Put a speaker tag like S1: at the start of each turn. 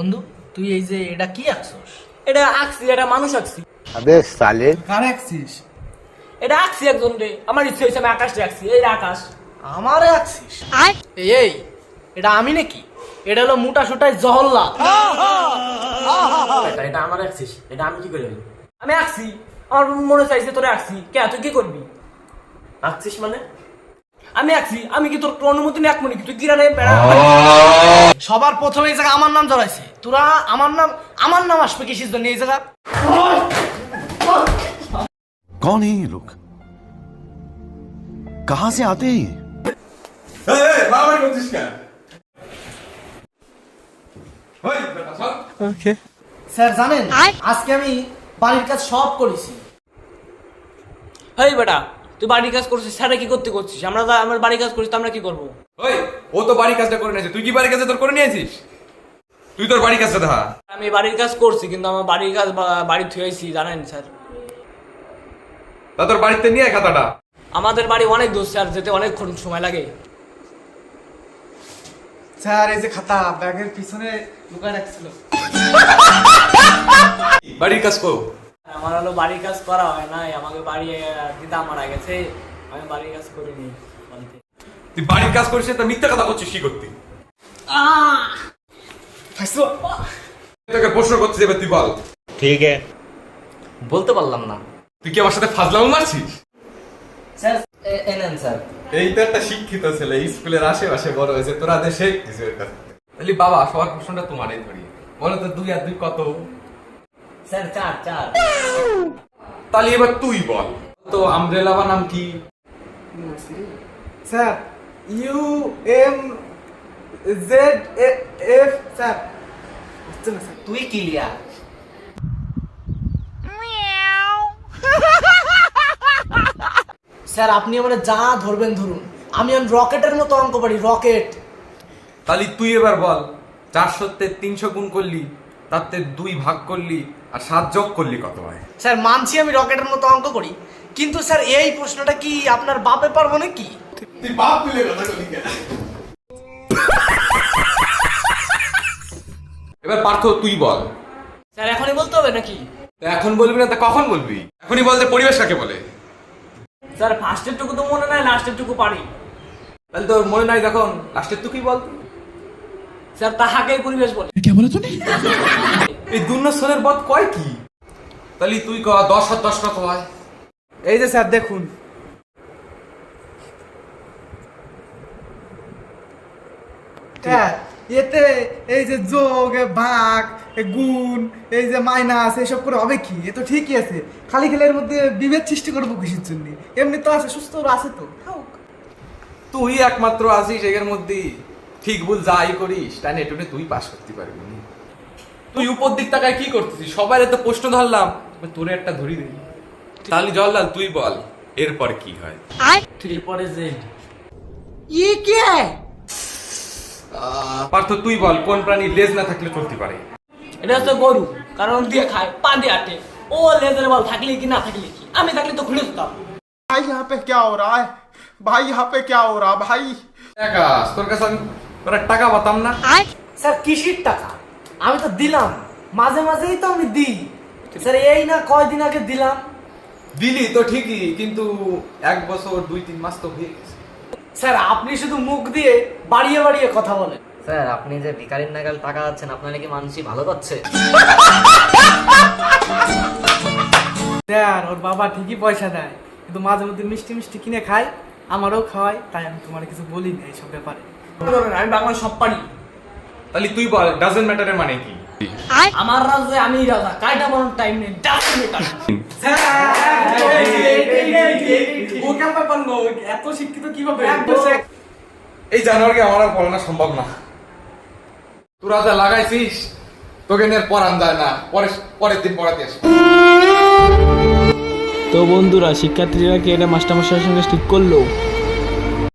S1: বন্ধু তুই এই যে এটা কি আঁকছস?
S2: এটা আঁকছি, এটা মানুষ আঁকছি।
S3: अबे साले
S1: কার আঁকছিস?
S2: এটা আঁকছি একজন রে, আমার ইচ্ছে হয়েছে আমি আকাশটা আঁকছি। এই আকাশ
S1: আমারে আঁকছিস? এই এটা আমি নাকি? এটা হলো মোটা সোটাই জহল্লা।
S2: এটা আমার আঁকছিস, এটা আমি কি করে হইলো? আমি আঁকছি, আমার মনে চাইছে তোরে আঁকছি। কে তুই কি করবি? আঁকছিস মানে? আমি আঁকছি, আমি কি তোর অনুমতি নিয়ে আঁকবো নাকি? তুই কিরানে বেড়া।
S1: সবার প্রথমে এই জায়গা আমার নাম জড়াইছে, তোরা আমার নাম আসবে কিসের জন্য এই জায়গা?
S4: कौन है ये लोग कहां से आते हैं ये?
S1: স্যার জানেন আজকে আমি বাড়ির কাজ সব করেছি।
S2: হেই বেটা, তুই বাড়ির কাজ করছিস, স্যারে কি করতে করছিস? আমার বাড়ির কাজ করছিস তো আমরা কি করবো?
S5: ওই ও তো বাড়ির কাজটা করে নিয়েছে, তুই কি বাড়ির কাজটা তোর করে নিয়েছিস? তুই তোর বাড়ির কাজটা দেখা।
S2: আমি বাড়ির কাজ করছি, কিন্তু আমার বাড়ির কাজ বাড়ি থুয়েছি জানেন স্যার।
S5: তা তোর বাড়িতে নিয়ে আয় খাতাটা।
S2: আমাদের বাড়ি অনেক দূর স্যার, যেতে অনেকক্ষণ সময় লাগে।
S1: স্যার এই যে খাতা ব্যাগের পিছনে লুকায় রাখছিল।
S5: বাড়ির কাজ কর।
S2: আমার হলো বাড়ির কাজ করা হয় নাই, আমাকে বাড়ি দিদা মারা গেছে, আমি বাড়ির কাজ করিনি বাড়িতে।
S5: তুই বাড়ির কাজ করিস তা মিথ্যা কথা করছিস কি করতি? তোকে প্রশ্ন করছিস, এবার তুই বল।
S3: ठीक है
S2: বলতে পারলাম না
S5: তুই কি আমার সাথে ফাজলামো মারছিস?
S2: স্যার। এনেন স্যার।
S5: এই তো একটা শিক্ষিত ছেলে, স্কুলের আশেপাশে বড় হয়েছে, তোরা দেশে কিছু এর কাছে। তাহলে বাবা সবার প্রশ্নটা তোমারই ধরি, বলো তো 2 আর 2 কত?
S2: স্যার 4।
S5: তাহলে এবার তুই বল তো আমব্রেলা বা নাম কি?
S1: Sir UMZF sir.
S2: তুই ক্লিয়ার।
S1: স্যার আপনি মানে যা ধরবেন ধরুন, আমি রকেটের মতো অঙ্ক পারি, রকেট।
S5: তাহলে তুই এবার বল 400 তে 300 গুণ করলি, তাতে 2 ভাগ করলি আর 7 যোগ করলি কত হয়?
S1: স্যার মানছি আমি রকেটের মতো অঙ্ক করি, কিন্তু স্যার এই প্রশ্নটা কি আপনার বাপে পারবো নাকি?
S5: তুই বাপ তুলে কথা বলি কেন? এবার পার্থ তুই বল।
S2: স্যার এখনই বলতে হবে নাকি?
S5: তা এখন বলবি না তা কখন বলবি? এখনই বলতে পরিবেশ কাকে বলে?
S2: স্যার ফার্স্টের টুকু তো মনে নাই, লাস্টের টুকু পারি।
S5: তাহলে তোর মনে নাই যখন, লাস্টের তুই কি বল?
S2: স্যার তাহাকেই পরিবেশ বলে।
S5: এই দুর্নসরের বদ কয় কি? তাহলে তুই ক 10 আর 10 কত হয়?
S1: এই যে স্যার দেখুন, এতে এই যে যোগ ভাগ গুণ এই যে মাইনাস এসব করে হবে কি? এ তো ঠিকই আছে, খালি খালি এর মধ্যে বিভেদ সৃষ্টি করবো কিসের জন্য? এমনি তো আছে, সুস্থ আছে তো।
S5: তুই একমাত্র আছিস এর মধ্যে, ঠিক ভুল যাই করিস তাই নেটুনে তুই পাস করতে পারবি না। তুই উপর দিক তাকায় কি করতেছিস? সবাই তো প্রশ্ন ধরলাম, তোরে একটা ধরি দিই। তাহলে জল্লাল তুই বল এরপর কি হয়?
S2: 3 পরে জেড।
S1: ये क्या है?
S5: পার্থ তুই বল কোন প্রাণী লেজ না থাকলে চলতে পারে?
S2: এটা হচ্ছে গরু, কারণ দিয়ে খায়, পা দিয়ে আটে। ও লেজার বল থাকলে কি না থাকলে কি? আমি থাকলে তো খুলে দিতাম।
S6: भाई यहाँ पे क्या हो रहा है? भाई यहाँ पे क्या हो रहा भाई?
S5: একাস তোর কাছে আমি তোর টাকা বাতাম না।
S1: স্যার কিসির টাকা? আমি তো দিলাম, মাঝে মাঝেই তো আমি দিই স্যার। এই না কয়দিন আগে দিলাম।
S5: দিলি তো ঠিকই, কিন্তু 1 বছর 2-3 মাস তো হয়ে গেছে।
S1: স্যার আপনি শুধু মুখ দিয়ে বাড়িয়ে বাড়িয়ে কথা বলেন।
S7: স্যার আপনি যে ভিখারির নাগাল টাকা যাচ্ছেন, আপনার কি মানুষই ভালো করছে?
S1: স্যার ওর বাবা ঠিকই পয়সা দেয়, কিন্তু মাঝে মধ্যে মিষ্টি মিষ্টি কিনে খায়, আমারও খাওয়ায়, তাই আমি তোমার কিছু বলি না এইসব ব্যাপারে।
S2: আমি বাংলা সব পারি।
S5: তাহলে তুই বল ডাজন্ট ম্যাটারের মানে কি?
S2: আমার রাজ্যে আমি রাজা, কাইটা বানানোর টাইম নেই।
S1: ও কেমন পারলো? এত শিক্ষিত কিভাবে?
S5: এই জানোয়ারকে আমার আর পড়ানো সম্ভব না। তোরা যা লাগাইছিস তোকে নিয়ে পড়ান যায় না, পরের দিন পড়াতে আসবি।
S8: তো বন্ধুরা, শিক্ষার্থীরা কি এটা মাস্টারমশাইয়ের সঙ্গে ঠিক করলো?